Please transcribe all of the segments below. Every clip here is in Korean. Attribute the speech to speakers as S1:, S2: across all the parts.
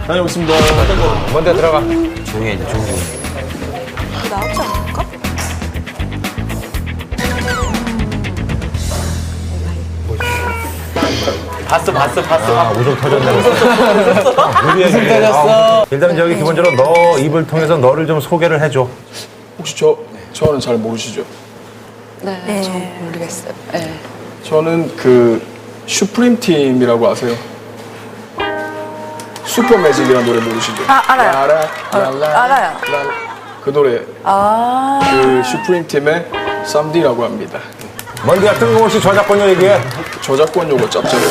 S1: 다녀오겠습니다.
S2: 먼저 들어가.
S3: 조용히 해, 이제 조용히 해.
S4: 나오지 않을까?
S1: 봤어.
S2: 아, 우정 터졌네. 웃음 터졌어. 일단 저기 기본적으로 너 입을 통해서 너를 좀 소개를 해줘.
S1: 혹시 저는 잘 모르시죠?
S4: 네, 저 모르겠어요. 네.
S1: 저는 그 슈프림 팀이라고 아세요? 슈퍼 매직이라는 노래 모르시죠?
S4: 아, 알아요. 알아요.
S1: 그 노래
S4: 아,
S1: 그 슈프림 팀의 쌈디라고 합니다.
S2: 먼디야 뜬금없이 저작권 얘기해.
S1: 저작권 요거 짭짤해요.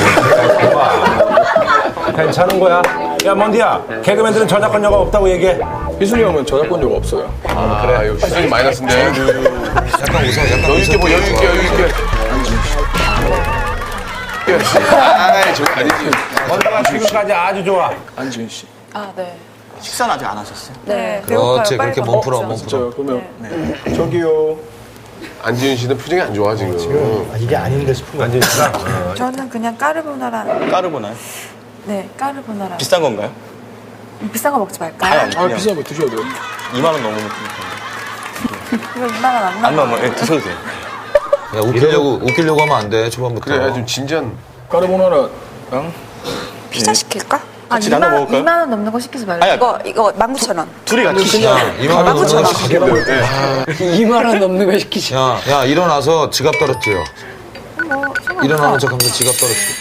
S2: 괜찮은 거야. 야 먼디야 개그맨들은 저작권료가 없다고 얘기해.
S1: 희순이 형은 저작권 요거 없어요.
S5: 그래. 역시 희준이 마이너스인데.
S3: 약간 웃어, 약간
S5: 여유 있게 뭐, 여유 있게. 아이, 저거 아니지.
S2: 먼디가 지금까지 아주 좋아.
S1: 안지은 씨.
S4: 아, 네.
S6: 식사는 아직 안 하셨어요?
S4: 네.
S3: 그렇지, 그렇게 몸 풀어, 몸 풀어.
S1: 저 그러면 저기요.
S5: 안지윤 씨는 표정이 안 좋아, 지금.
S2: 이게 아닌데 싶은 거 안지은 씨가.
S4: 저는 그냥 까르보나라.
S6: 까르보나요?
S4: 네, 까르보나라.
S6: 비싼 건가요?
S4: 비싼 거 먹지 말까요?
S6: 아니,
S1: 아
S6: 그냥
S1: 비싼 거 드셔야 돼요.
S6: 2만 원 넘으면
S4: 이거 2만 원 안
S6: 안
S4: 나와.
S6: 넘어. 네, 드셔도 돼요.
S3: 야, 웃기려고 하면 안 돼, 초반부터.
S5: 그래, 좀 진지한.
S1: 까르보나라랑
S4: 피자 시킬까? 아,
S6: 같이 나눠 먹을까요?
S4: 2만 원 넘는 거 시키지 말고.
S6: 아니야.
S4: 이거 19,000원.
S6: 둘이 같이
S3: 야, 2만 원 넘는 거 시키고.
S7: 2만 원 넘는 거 시키지.
S3: 야, 일어나서 지갑 떨어뜨려. 일어나는 척 하면서 지갑 떨어뜨려.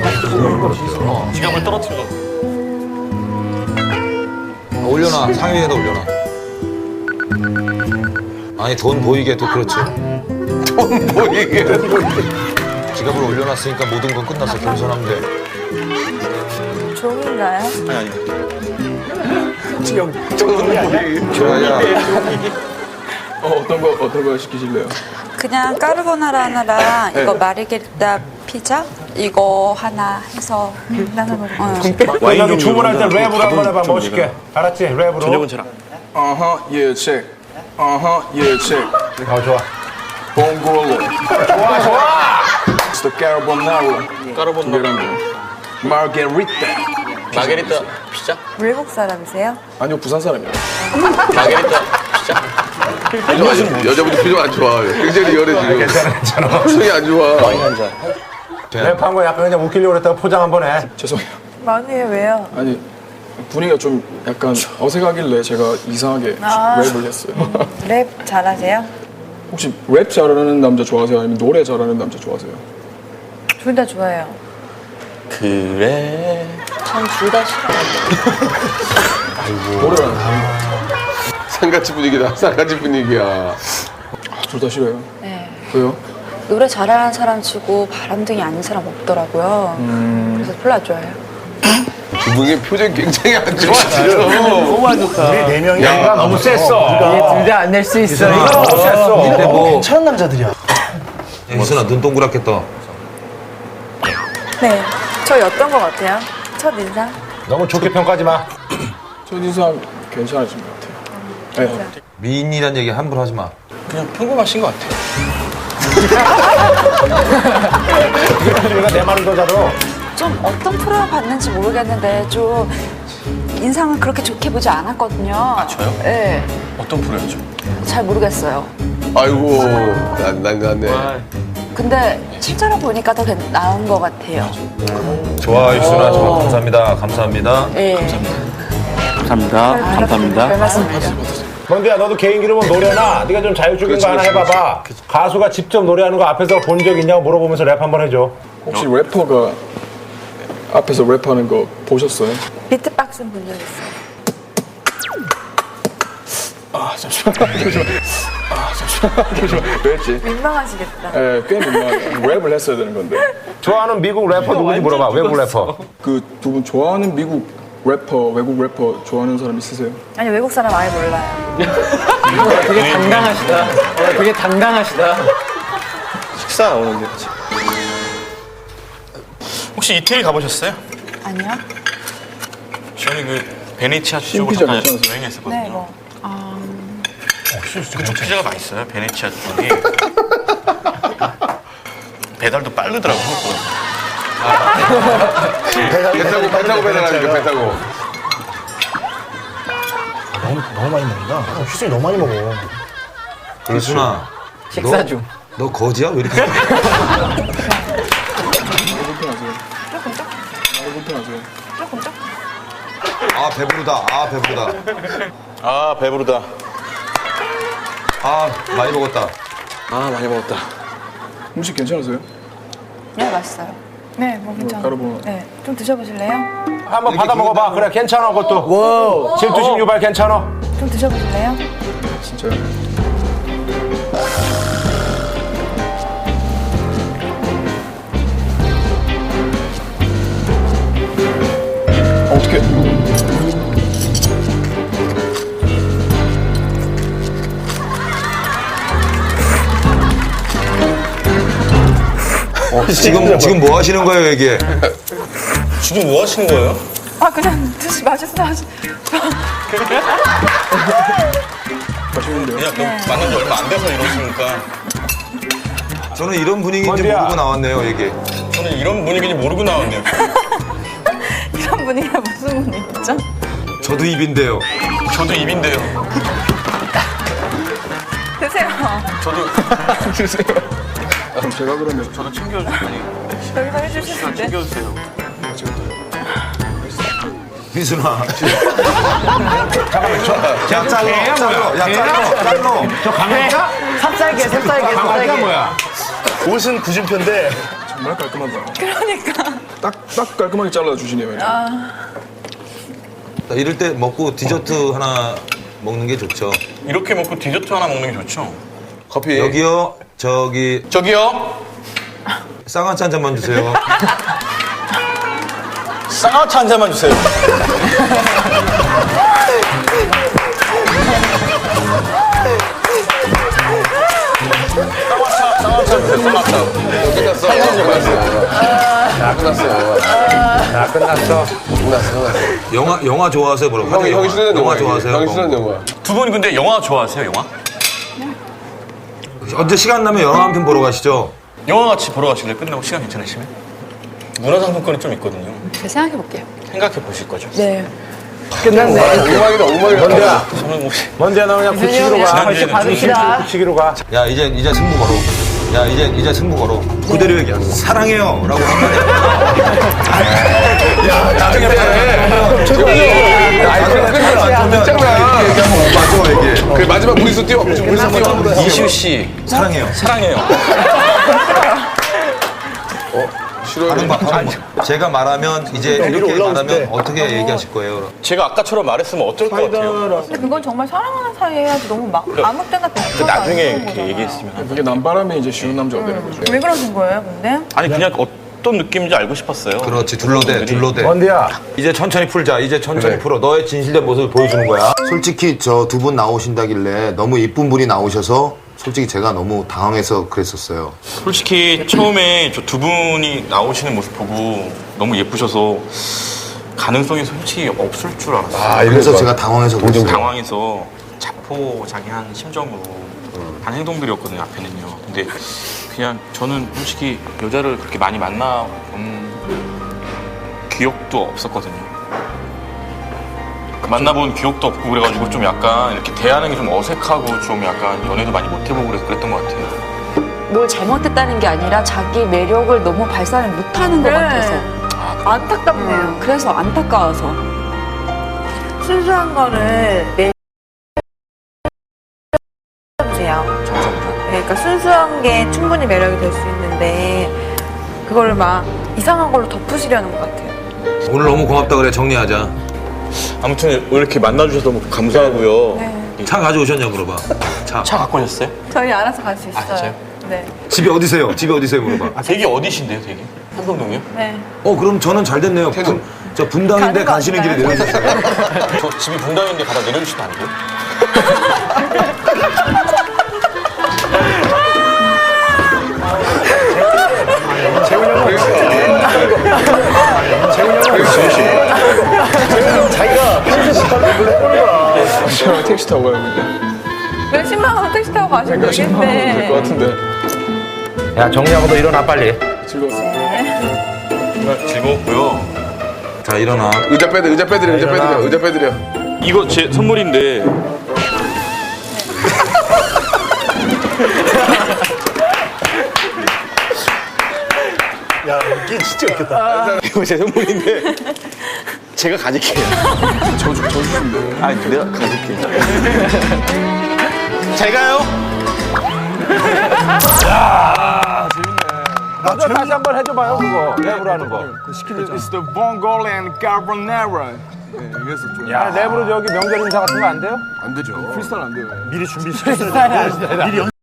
S6: 지갑을 떨어뜨려.
S3: 올려놔, 상위에다 올려놔. 아니, 돈 보이게 또 그렇지.
S5: 돈 보이게.
S3: 지갑을 올려놨으니까 모든 건 끝났어. 겸손하면 돼.
S4: 종인가요?
S6: 아니.
S3: 좋아야.
S1: 어떤 거 시키실래요?
S4: 그냥 까르보나라 하나랑 이거 마르게리타 피자 이거 하나 해서 나눠 먹어요.
S2: 여기 주문할 때 랩으로 한번 해봐. 멋있게. 알았지? 랩으로.
S6: 저녁은 잘 안.
S1: 예, 체크. 예, 체크.
S2: 좋아.
S1: 봉골로. 좋아. It's the carbonara.
S6: 까르보나라.
S1: 두개랑 마르게리타.
S6: 마게리타 피자?
S4: 외국 사람이세요?
S1: 아니요, 부산 사람이에요.
S6: 마게리타 피자?
S5: 여자분이 표정 안 좋아. 굉장히 열해, 지금.
S2: 괜찮아.
S5: 표정이 안 좋아.
S6: 한 잔.
S2: 랩한 거 약간 그냥 웃기려고 그랬다가 포장 한번 해.
S1: 죄송해요.
S4: 많이 해요. 왜요?
S1: 아니 분위기가 좀 약간 어색하길래 제가 이상하게 랩을 했어요.
S4: 랩 잘하세요?
S1: 혹시 랩 잘하는 남자 좋아하세요? 아니면 노래 잘하는 남자 좋아하세요?
S4: 둘 다 좋아해요.
S6: 그래.
S4: 전 둘 다 싫어요.
S1: 노래랑
S5: 상가집 분위기다. 상가집 분위기야.
S1: 둘 다 싫어요.
S4: 네.
S1: 왜요?
S4: 노래 잘하는 사람 치고 바람둥이 아닌 사람 없더라고요. 그래서 별로 안 좋아해요.
S5: 두 분의 표정이 굉장히 안 좋아, 지금.
S6: 너무 안 좋다.
S2: 네 명이야. 너무 셌어.
S7: 둘 다 안 낼 수 있어.
S2: 너무 셌어.
S3: 근데 뭐.
S7: 괜찮은 남자들이야.
S3: 야, 이순아, 눈 동그랗게 떠.
S4: 네. 저희 어떤 거 같아요? 첫 인상?
S2: 너무 좋게 평가하지 마.
S1: 첫 인상 괜찮으신 것 같아요. 네.
S3: 미인이란 얘기 함부로 하지 마.
S6: 그냥 평범하신 것 같아요.
S2: 우리가 내 말을 더 잘어.
S4: 좀 어떤 프로를 봤는지 모르겠는데 좀 인상을 그렇게 좋게 보지 않았거든요. 아,
S6: 저요?
S4: 네.
S6: 어떤 프로였죠?
S4: 잘 모르겠어요.
S5: 아이고, 난네.
S4: 근데 실제로 보니까 더 나은 것 같아요.
S3: 좋아, 이순아. 정말 감사합니다. 감사합니다.
S4: 네.
S6: 감사합니다.
S4: 별 말씀드려.
S2: 먼디야 너도 개인기로 뭐 노래나 네가 좀 자율적인 거 하나 해봐봐. 가수가 직접 노래하는 거 앞에서 본 적 있냐고 물어보면서 랩 한번 해줘.
S1: 혹시 래퍼가 앞에서 랩하는 거 보셨어요?
S4: 비트박스 본 적 있어요.
S1: 잠시만. 왜 했지?
S4: 민망하시겠다.
S1: 꽤 민망해요. 랩을 했어야 되는 건데.
S2: 좋아하는 미국 래퍼 누군지 물어봐. 외국 래퍼.
S1: 그 두 분 좋아하는 미국 래퍼, 외국 래퍼 좋아하는 사람 있으세요?
S4: 아니 외국 사람 아예 몰라요.
S7: 되게 당당하시다. 되게 당당하시다.
S6: 식사 나오는데. 혹시 이태리 가보셨어요?
S4: 아니요?
S6: 저는 그 베네치아 쪽으로
S1: 신피자
S6: 잠깐
S1: 괜찮으세요?
S6: 여행했었거든요.
S4: 네, 뭐.
S6: 그쪽 피자가 맛있어요. 베네치아 쪽이. 배달도 빠르더라고요.
S5: 배 타고 배달하니까 배 타고.
S8: 너무 많이 먹는다. 휘순이 너무 많이 먹어.
S3: 희순아,
S7: 식사 중.
S3: 너 거지야? 왜 이렇게?
S1: 불편하세요. 불편하세요.
S3: 아 배부르다. 아 배부르다.
S2: 아 배부르다.
S3: 아 많이 먹었다.
S1: 아 많이 먹었다. 음식 괜찮으세요?
S4: 네, 맛있어요.
S9: 네, 뭐 괜찮아요.
S1: 까르보나.
S9: 네, 좀 드셔보실래요?
S2: 한번 받아 먹어봐. 그래 괜찮아 그것도.
S7: 와우.
S2: 질투심 유발 괜찮아.
S9: 좀 드셔보실래요?
S1: 진짜요? 어떻게?
S3: 지금 뭐 하시는 거예요 이게?
S6: 지금 뭐 하시는 거예요?
S9: 아, 그냥 맛있어 하시.
S1: 맛있는데요?
S6: 그냥 만난 지 얼마 안 돼서 이러시니까
S3: 저는 이런 분위기인지
S2: 건디야.
S3: 모르고 나왔네요 이게.
S6: 저는 이런 분위기인지 모르고 나왔네요.
S9: 이런 분위기가 무슨 분위기죠?
S3: 저도 입인데요.
S6: 저도 입인데요.
S9: 드세요.
S6: 저도
S1: 드세요. 그럼 제가 그러면
S6: 저도 챙겨주세요.
S9: 여기서 해주시는데.
S6: 챙겨주세요.
S3: 희순아. 야 잘로.
S2: 저 강아지야?
S7: 삽살개, 삽살개,
S2: 강아지가
S7: 삽살개.
S2: 뭐야?
S8: 옷은 구준표인데
S1: 정말 깔끔하다. 그러니까. 딱 깔끔하게 잘라주시네요.
S3: 이럴 때 먹고 디저트 하나 먹는 게 좋죠.
S6: 이렇게 먹고 디저트 하나 먹는 게 좋죠.
S5: 커피.
S3: 여기요. 저기
S6: 저기요.
S3: 쌍화차 한 잔만 주세요.
S6: 쌍화차 한 잔만 주세요. 쌍화차 주세요. 쌍화차.
S5: 끝났어. 끝났어요.
S2: 자 끝났어.
S5: 끝났어.
S3: 영화 좋아하세요, 뭐라고?
S5: 형이 싫어하는
S3: 영화
S5: 영화.
S3: 좋아하세요?
S5: 형이 싫어하는 영화.
S6: 두 분 근데 영화 좋아하세요? 영화?
S3: 언제 시간 나면 영화 한 편 보러 가시죠.
S6: 영화 같이 보러 가실래요? 끝나고 시간 괜찮으시면? 문화상품권이 좀 있거든요.
S4: 제가 생각해볼게요.
S6: 생각해 보실 거죠?
S9: 네.
S7: 끝났네.
S5: 엉망이다.
S2: 먼저야.
S6: 저는 혹시
S2: 먼저야 너 그냥 굳히기로 가.
S6: 지난주에
S7: 받읍시다.
S2: 굳히기로 가.
S3: 야, 이제 승부 걸어. 야, 이제 승부 걸어. 그대로 얘기야. 사랑해요. 라고 한마디. 야, 나중에
S5: 그 마지막 무리수 뛰어. 무리수 뛰어.
S6: 이슈 씨
S3: 사랑해요.
S6: 사랑해요.
S5: 싫어요.
S3: 제가 말하면 이제 이렇게 말하면 어떻게 얘기하실 거예요?
S6: 제가 아까처럼 말했으면 어떨 것 같아요?
S9: 근데 그건 정말 사랑하는 사이에 해야지 너무 막 아무 때나
S6: 그 나중에 이렇게 얘기했으면
S1: 그게 남바람이 이제 쉬운 남자가 되는 거죠.
S9: 왜 그러신 거예요, 근데?
S6: 아니 그냥 어떤 느낌인지 알고 싶었어요.
S3: 그렇지, 둘러대.
S2: 먼디야. 이제 천천히 풀자. 이제 천천히 풀어. 너의 진실된 모습을 보여주는 거야.
S10: 솔직히 저 두 분 나오신다길래 너무 이쁜 분이 나오셔서 솔직히 제가 너무 당황해서 그랬었어요.
S6: 솔직히 처음에 저 두 분이 나오시는 모습 보고 너무 예쁘셔서 가능성이 솔직히 없을 줄 알았어요.
S10: 그래서 제가 당황해서 그랬어요.
S6: 당황해서 자포자기한 심정으로 한 행동들이었거든요, 앞에는요. 근데 그냥 저는 솔직히 여자를 그렇게 많이 만나본 기억도 없었거든요. 만나본 기억도 없고 그래가지고 좀 약간 이렇게 대하는 게 좀 어색하고 좀 약간 연애도 많이 못 해보고 그래서 그랬던 것 같아요.
S4: 뭘 잘못했다는 게 아니라 자기 매력을 너무 발산을 못하는 것
S9: 네.
S4: 같아서.
S9: 안타깝네요.
S4: 그래서 안타까워서.
S9: 순수한 거를 내주세요. 그러니까 순수한 게 충분히 매력이 될 수 있는데 그거를 막 이상한 걸로 덮으시려는 것 같아요.
S3: 오늘 너무 고맙다 그래. 정리하자.
S6: 아무튼 이렇게 만나주셔서 너무 감사하고요.
S9: 네.
S3: 차 가져오셨냐 물어봐.
S6: 차 갖고 오셨어요?
S9: 저희 알아서 갈 수 있어요.
S6: 진짜요?
S9: 네.
S3: 집이 어디세요? 집이 어디세요 물어봐.
S6: 댁이 어디신데요, 댁이? 한동동이요?
S9: 네.
S3: 그럼 저는 잘 됐네요. 저 분당인데
S9: 가는 거
S3: 가시는 길에
S9: 아닌가요?
S3: 내려주세요.
S6: 저 집이 분당인데 가다 내려주시면 안 돼요?
S1: 제가 택시 타고 가요. 근데.
S9: 몇십만 원 택시 타고 가시면
S1: 몇십만 원 될 것
S9: 되겠네.
S1: 같은데.
S2: 야 정리하고 너 일어나 빨리.
S1: 즐거웠습니다.
S6: 정말 즐거웠고요.
S3: 자 일어나.
S5: 의자 빼드려. 의자 빼드려.
S6: 이거 제 선물인데
S8: 야, 이게 진짜 웃겼다.
S6: 이거 제 선물인데 제가 가질게요.
S1: 저 주시면 돼요.
S6: 아니 내가 가질게. 제가요?
S2: 나도 다시 한번 해줘봐요 그거 랩으로 하는 거.
S1: It's the Mongolian carbonara. 네, 이래서 좀.
S2: 야 랩으로 저기 명절 인사 같은 거 안 돼요?
S1: 안 되죠. 프리스타일 안 돼요.
S8: 미리 준비시켰어야 돼. 미리